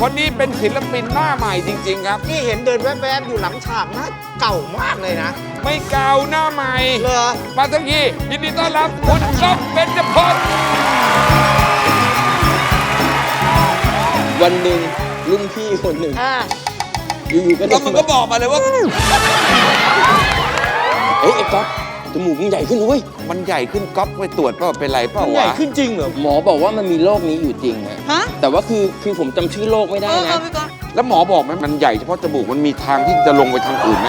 คนนี้เป็นศิลปินหน้าใหม่จริงๆครับนี่เห็นเดินแวบๆอยู่หลังฉากนะเก่ามากเลยนะไม่เก่าหน้าใหม่เหรอมาทั้งทียินดีต้อนรับคุณก๊อฟเบญจพรวันหนึ่งรุ่นพี่คนหนึ่งอยู่ๆก็ก็มันก็บอกมาเลยว่าเฮ้ยไอ้ก๊อฟจมูกมึงใหญ่ขึ้นเว้ยมันใหญ่ขึ้นก๊อฟไปตรวจเปล่าเป็นไรเปล่าใหญ่วะขึ้นจริงเหรอหมอบอกว่ามันมีโรคนี้อยู่จริงฮะฮะแต่ว่าคือผมจำชื่อโรคไม่ได้นะพี่ก๊อฟแล้วหมอบอกไหมมันใหญ่เฉพาะจมูกมันมีทางที่จะลงไปทางอื่นไหม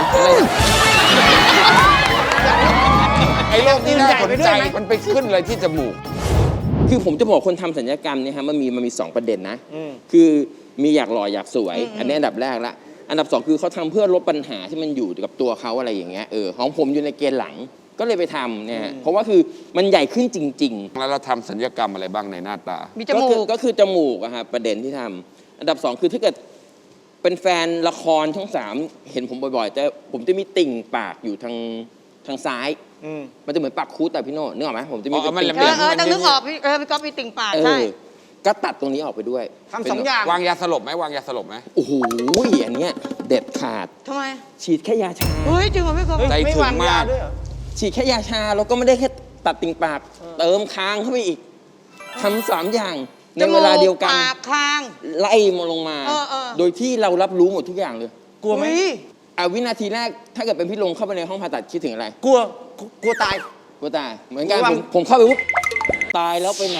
ไอ้โรคนี้น่าสนใจมันไปขึ้นอะไรที่จมูกคือผมจะบอกคนทำศัลยกรรมเนี่ยฮะมันมี2ประเด็นนะคือมีอยากหล่ออยากสวย อันนี้อันดับแรกละอันดับ2คือเขาทำเพื่อลดปัญหาที่มันอยู่กับตัวเขาอะไรอย่างเงี้ยของผมอยู่ในเกณฑ์หลังก็เลยไปทำเนี่ยเพราะว่าคือมันใหญ่ขึ้นจริงๆแล้วเราทำศัลยกรรมอะไรบ้างในหน้าตามีจมูกก็คือจมูกอะครับประเด็นที่ทำอันดับ2คือถ้าเกิดเป็นแฟนละครช่อง3เห็นผมบ่อยๆแต่ผมจะมีติ่งปากอยู่ทางซ้ายมันจะเหมือนปากคูดแต่พี่โน่นึกออกไหมผมจะมีเป็นติ่งต้องนึกออกพี่พี่ก๊อฟมีติ่งปากใช่ก็ตัดตรงนี้ออกไปด้วยทำ2 อย่างวางยาสลบไหมวางยาสลบไหมโอ้โหอันเนี้ยเด็ดขาดทำไมฉีดแค่ยาชาเฮ้ยจริงเหรอพี่ก๊อฟใจไม่ถึงวางมายาก ด้วยเหรอฉีดแค่ยาชาแล้วก็ไม่ได้แค่ตัดติ่งปากเติมคางเข้าไปอีกทำ3 อย่างในเวลาเดียวกันปากคางไล่มาลงมา โดยที่เรารับรู้หมดทุกอย่างเลยกลัวไหมวินาทีแรกถ้าเกิดเป็นพี่ลงเข้าไปในห้องผ่าตัดคิดถึงอะไรกลัวตายกลัวตายเหมือนกันระวังผมเข้าไปปุ๊บตายแล้วไปไหน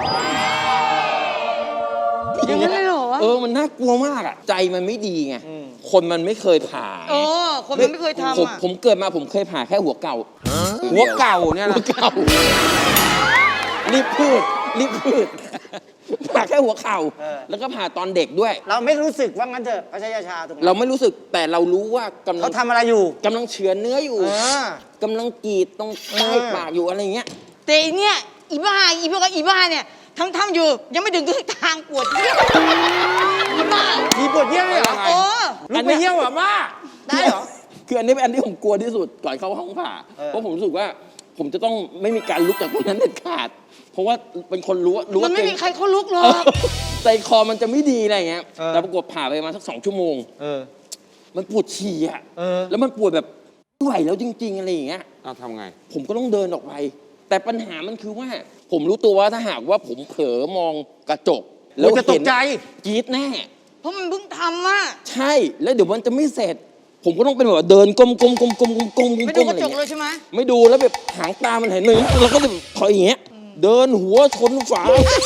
อย่างนั้นเลยเหรอวะมันน่ากลัวมากอ่ะใจมันไม่ดีไงคนมันไม่เคยผ่าคนมันไม่เคยทำอ่ะผมเกิดมาผมเคยผ่าแค่หัวเก่าหัวเก่าเนี่ยหันะวเก่ารีบพูดผ่าแค่หัวเข่าแล้วก็ผ่าตอนเด็กด้วยเราไม่รู้สึกว่างั้นเถอะเขาใช้ยาชาตรงนั้นเราไม่รู้สึกแต่เรารู้ว่ากำลัเขางทำอะไรอยู่กำลังเฉือนเนื้ออยู่ กำลังกรีดตรงใต้ปากอยู่อะไรเงี้ยแต่อีเนี่ยอีบ้าเนี่ยทำอยู่ยังไม่ถึงทางปวดเยี่ยวอีบ้ามีปวดเยี่ยวเลยเหรอโอ้ลุกไปเยี่ยวเหรอบ้าได้เหรอคืออันนี้เป็นอันที่ผมกลัวที่สุดก่อนเข้าห้องผ่า เพราะผมรู้สึกว่าผมจะต้องไม่มีการลุกจากตรงนั้นเด็ดขาด เพราะว่าเป็นคนรู้มันไม่มีใครเขาลุกหรอกใจคอมันจะไม่ดีอะไรเงี้ยแต่ปรากฏผ่าไปมาสัก2 ชั่วโมงมันปวดฉี่อ่ะแล้วมันปวดแบบไม่ไหวแล้วจริงๆอะไรอย่างเงี้ยเอาทำไงผมก็ต้องเดินออกไป แต่ปัญหามันคือว่าผมรู้ตัวว่าถ้าหากว่าผมเผลอมองกระจกแล้วจะตกใจกรี๊ดแน่เพราะมันเพิ่งทำอ่ะใช่แล้วเดี๋ยวมันจะไม่เสร็จ ผมก็ต้องเป็นแบบว่าเดินก้มๆไม่ดูกอะระไรจกเลเงี้ยยใช่ไหมไม่ดูแล้วแบบหางตามันเห็นเลยแล้วก็แบบถอยอย่างเงี้ยเดินหัวชนฝา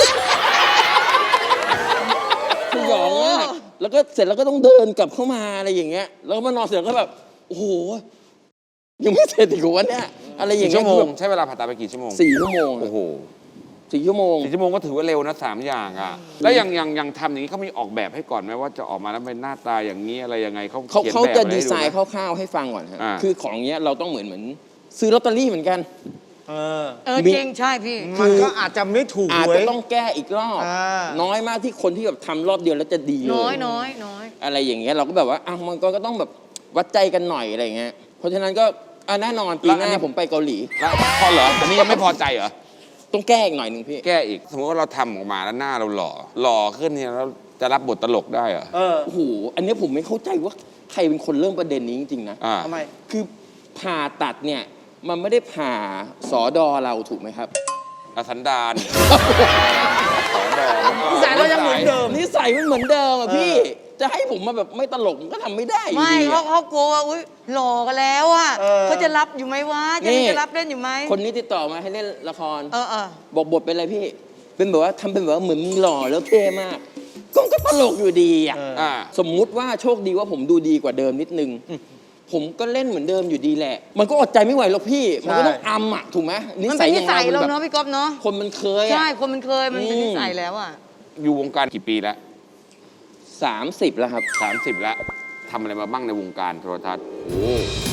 สยองมากแล้วก็เสร็จแล้วก็ต้องเดินกลับเข้ามาอะไรอย่างเงี้ยแล้วก็มานอนเสร็จแล้วก็แบบโอ้โหยังไม่เสร็จอีกวันเนี้ยอะไรอย่างกี่เงี้ชั่ยวโมงใช้เวลาผ่าตัดไปกี่ชั่วโมง 4 ชั่วโมงโอ้โห 4 ชั่วโมง 4 ชั่วโมงก็ถือว่าเร็วนะ3 อย่างอ่ะแล้วยังทำอย่างนี้เขามีออกแบบให้ก่อนไหมว่าจะออกมาแล้วเป็นหน้าตาอย่างนี้อะไรยังไงเขาเขียนเขาแบบจะอะไรดีให้ไซดูน์ไหคมร่าวๆให้ฟังก่อนฮะคือของเนี้ยเราต้องเหมือนซื้อลอตเตอรี่เหมือนกันจริงใช่พี่มันก็อาจจะไม่ถูกอาจหวจะยต้องแก้อีกรอบ น้อยมากที่คนที่แบบทำรอบเดียวแล้วจะดีเลยน้อยอะไรอย่างเงี้ยเราก็แบบว่ามันก็ต้องแบบวัดใจกันหน่อยอะไรอย่างเงี้ยเพราะฉะนั้นก็แน่นอนปีหน้าผมไปเกาหลีแล้วพอเหรออันนี้ยังไม่พอใจเหรอต้องแก้อีกหน่อยหนึ่งพี่แก้อีกสมมติว่าเราทำออกมาแล้วหน้าเราหล่อขึ้นเนี่ยแล้วจะรับบทตลกได้เหรอโอ้โหอันเนี้ยผมไม่เข้าใจว่าใครเป็นคนเริ่มประเด็นนี้จริงๆนะทำไมคือผ่าตัดเนี่ยมันไม่ได้ผ่าสอดอเราถูกไหมครับอสันดานนิสัยเรายังเหมือนเดิมนิสัยมันเหมือนเดิมอะพี่ จะให้ผมมาแบบไม่ตลกมันก็ทำไม่ได้อยู่ไม่ดีเขาอะเขากลัวว่าอุ้ยหล่อกันแล้วอ่ะเออเขาจะรับอยู่ไหมวะจะรับเล่นอยู่ไหมคนนี้ติดต่อมาให้เล่นละครเออบอกบทเป็นอะไรพี่ เป็นแบบว่าทำเป็นแบบว่าเหมือนมึงหล่อแล้วเท่มากก็ตลกอยู่ดีอ่ะ สมมุติว่าโชคดีว่าผมดูดีกว่าเดิมนิดนึง ผมก็เล่นเหมือนเดิมอยู่ดีแหละ มันก็อดใจไม่ไหวหรอกพี่ มันก็ต้องอำอ่ะถูกไหมมันเป็นนิสัยอย่งเราแบบเนาะพี่ก๊อฟเนาะคนมันเคยใช่อ่ะคนมันเคยมันเป็นนิสัยแล้วอ่ะอยู่วงการกี่ปีแล้ว 30 แล้วครับ 30 แล้วทำอะไรมาบ้างในวงการโทรทัศน์โอ้